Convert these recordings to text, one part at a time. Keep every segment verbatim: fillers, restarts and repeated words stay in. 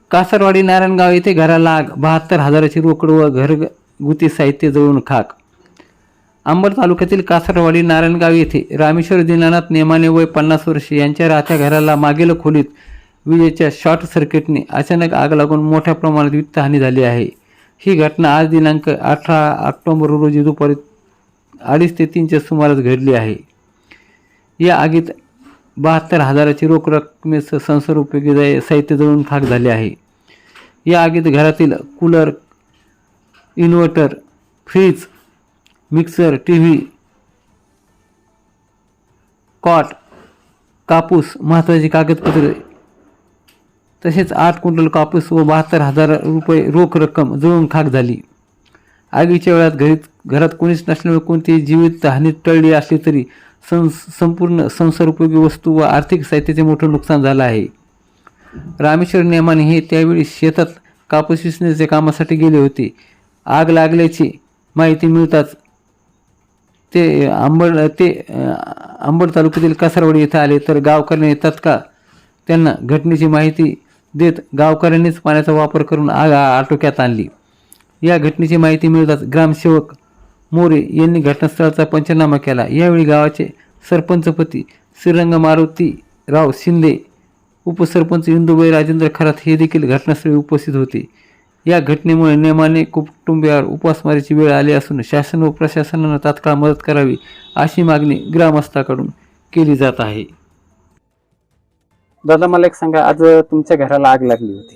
कासरवाडी नारायणगाव येथे घराला आग, बहात्तर हजाराची रोकड व घरगुती साहित्य जळून खाक. अंबड तालुक्यातील कासरवाडी नारायणगाव येथे रामेश्वर दीनानाथ नेमाने वय पन्नास वर्षे यांच्या राहत्या घराला मागील खोलीत विजेच्या शॉर्ट सर्किटने अचानक आग लागून मोठ्या प्रमाणात वित्तहानी झाली आहे. ही घटना आज दिनांक अठरा ऑक्टोबर रोजी दुपारी अडीच ते तीनच्या सुमारास घडली आहे. या आगीत बहात्तर हजाराची रोख रकमेसह संसारोपयोगी साहित्य जळून खाक झाले आहे. या आगीत घरातील cooler, inverter, fridge, mixer, T V, cot, कापूस, महत्त्वाची कागदपत्रे तसेच आठ क्विंटल कापूस व बहात्तर हजार रुपये रोख रक्कम जळून खाक झाली. आगीच्या वेळात घरीत घरात कोणीच नसल्यामुळे कोणतीही जीवित हानी टळली असली तरी सं संपूर्ण संसारोपयोगी वस्तू व आर्थिक साहित्याचे मोठं नुकसान झालं आहे. रामेश्वर नेमाने हे त्यावेळी शेतात कापूस विसण्याच्या कामासाठी गेले होते. आग लागल्याची माहिती मिळताच ते अंबड ते अंबड तालुक्यातील कासरवाडी येथे आले, तर गावकऱ्यांनी तत्काळ त्यांना घटनेची माहिती देत गावकऱ्यांनीच पाण्याचा वापर करून आग आटोक्यात आणली. या घटनेची माहिती मिळताच ग्रामसेवक मोरे यांनी घटनास्थळाचा पंचनामा केला. यावेळी गावाचे सरपंचपती श्रीरंग मारुतीराव शिंदे, उपसरपंच इंदुबाई राजेंद्र खरात हे देखील घटनास्थळी उपस्थित होते. या घटनेमुळे नेमाने कुटुंबियावर उपासमारीची वेळ आली असून शासन व प्रशासनानं तात्काळ मदत करावी अशी मागणी ग्रामस्थांकडून केली जात आहे. दादा, मला एक सांगा, आज तुमच्या घराला आग लागली होती,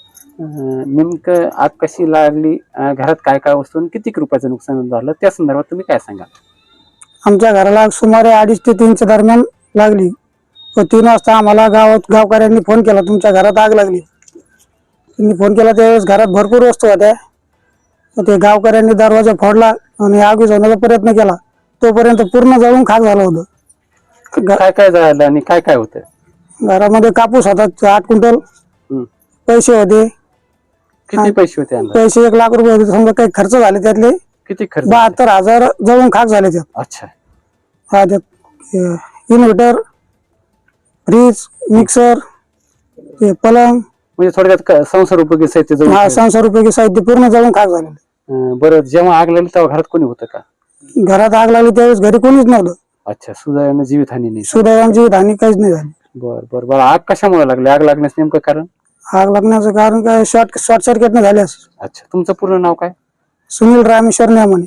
नेमकं आग कशी लागली, घरात काय काय वस्तू आणि किती रुपयाचं नुकसान झालं, त्या संदर्भात तुम्ही काय सांगाल? आमच्या घराला सुमारे अडीच ते तीनच्या दरम्यान लागली. व तीन वाजता आम्हाला गावात गावकऱ्यांनी फोन केला, तुमच्या घरात आग लागली. त्यांनी फोन केला त्यावेळेस घरात भरपूर वस्तू होत्या. ते गावकऱ्यांनी दरवाजा फोडला आणि आग विझवण्याचा प्रयत्न केला. तोपर्यंत पूर्ण जळून खाक झालं होतं. काय काय झालं आणि काय काय होतं? घरामध्ये कापूस होता आठ क्विंटल, पैसे होते. किती पैसे होते? पैसे एक लाख रुपये होते. समजा काही खर्च झाले त्यातले किती खर्च? बहात्तर हजार जळून खाक झाले त्यात. अच्छा. हा, त्यात इन्व्हर्टर, फ्रीज, मिक्सर, ते पलंग, म्हणजे थोडक्यात संसारोपयोगी साहित्य जळून. हा, संसारोपयोगी साहित्य पूर्ण जळून खाक झालेलं. बरं, जेव्हा आग लागली तेव्हा घरात कोणी होतं का? घरात आग लागली त्यावेळेस घरी कोणीच नव्हतं. अच्छा, सुदैवाने जीवितहानी नाही. सुदैवाने हानी काहीच नाही झाली. बर बर बर आग कशामुळे लागली? आग लागण्यास नेमकं कारण? आग लागण्याचं कारण काय, शॉर्ट शॉर्ट सर्किटने झाले असं. अच्छा, तुमचं पूर्ण नाव काय? सुनील रामेश्वर नेमाने.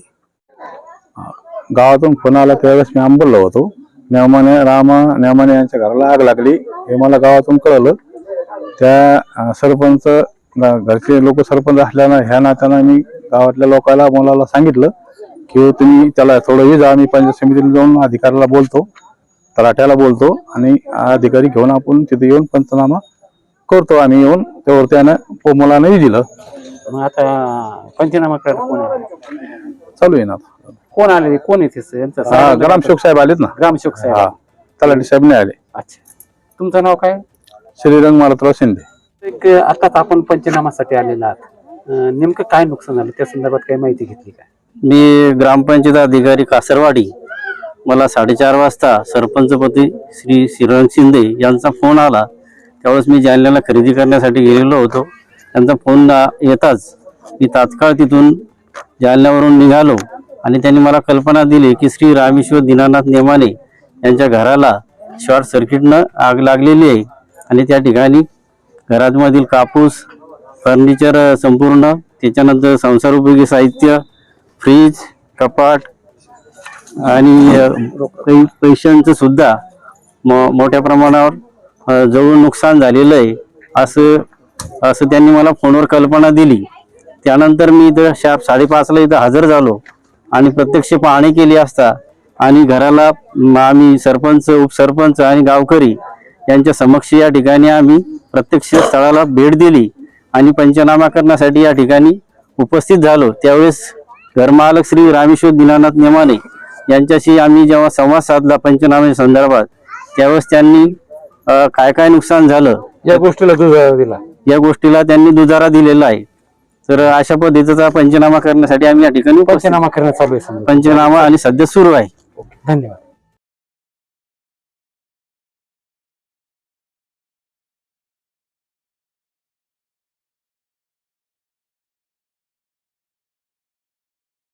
गावातून फोन आला त्यावेळेस मी अंबडला होतो. नेमाने रामा नेमाने यांच्या घराला आग लागली हे मला गावातून कळलं. त्या सरपंच घरचे लोक सरपंच असल्यानं ह्या नात्यानं मी गावातल्या लोकांना मुलाला सांगितलं की तुम्ही त्याला थोडं ये जा, आम्ही पंचायत समितीला जाऊन अधिकाऱ्याला बोलतो, तलाट्याला बोलतो आणि अधिकारी घेऊन आपण तिथे येऊन पंचनामा करतो. आम्ही येऊन त्यावर त्यानं मुलानंही दिलं. मग आता पंचनामा करायला कोण आले? चालू आहे ना. कोण आले? कोण येते? ग्रामसेवक साहेब आलेत ना. ग्रामसेवक साहेब? हा, तलाठी साहेब नाही आले. अच्छा, तुमचं नाव काय? श्रीरंग मारुतीराव शिंदे. एक आताच आपण पंचनामासाठी आलेला आहात, नेमकं काय नुकसान झालं त्या संदर्भात काही माहिती घेतली काय? मी ग्रामपंचायत अधिकारी कासरवाडी, मला साडेचार वाजता सरपंचपती श्री श्रीरंग शिंदे यांचा फोन आला. त्यावेळेस मी जालन्याला खरेदी करण्यासाठी गेलेलो होतो. त्यांचा फोन येताच मी तात्काळ तिथून जालन्यावरून निघालो आणि त्यांनी मला कल्पना दिली की श्री रामेश्वर दीनानाथ नेमाने यांच्या घराला शॉर्ट सर्किटनं आग लागलेली आहे आणि त्या ठिकाणी घरामधील कापूस, फर्निचर संपूर्ण, त्याच्यानंतर संसारोपयोगी साहित्य, फ्रीज, कपाट आणि काही पैशांचं सुद्धा मोठ्या प्रमाणावर जळून नुकसान झालेलं आहे असं असं त्यांनी मला फोनवर कल्पना दिली. त्यानंतर मी इथं शार्प साडेपाचला इथं हजर झालो आणि प्रत्यक्ष पाहणी केली असता आणि घराला आम्ही सरपंच, उपसरपंच आणि गावकरी यांच्या समक्ष या ठिकाणी आम्ही प्रत्यक्ष स्थळाला भेट दिली आणि पंचनामा करण्यासाठी या ठिकाणी उपस्थित झालो. त्यावेळेस घरमालक श्री रामेश्वर दीनानाथ नेमाने यांच्याशी आम्ही जेव्हा संवाद साधला पंचनामे संदर्भात, त्यावेळेस त्यांनी काय काय नुकसान झालं या गोष्टीला दुजारा दिला या गोष्टीला त्यांनी दुजारा दिलेला आहे. तर अशा पद्धतीचा पंचनामा करण्यासाठी आम्ही या ठिकाणी पंचनामा करण्यात चालू आहे. पंचनामा आणि सध्या सुरू आहे. धन्यवाद.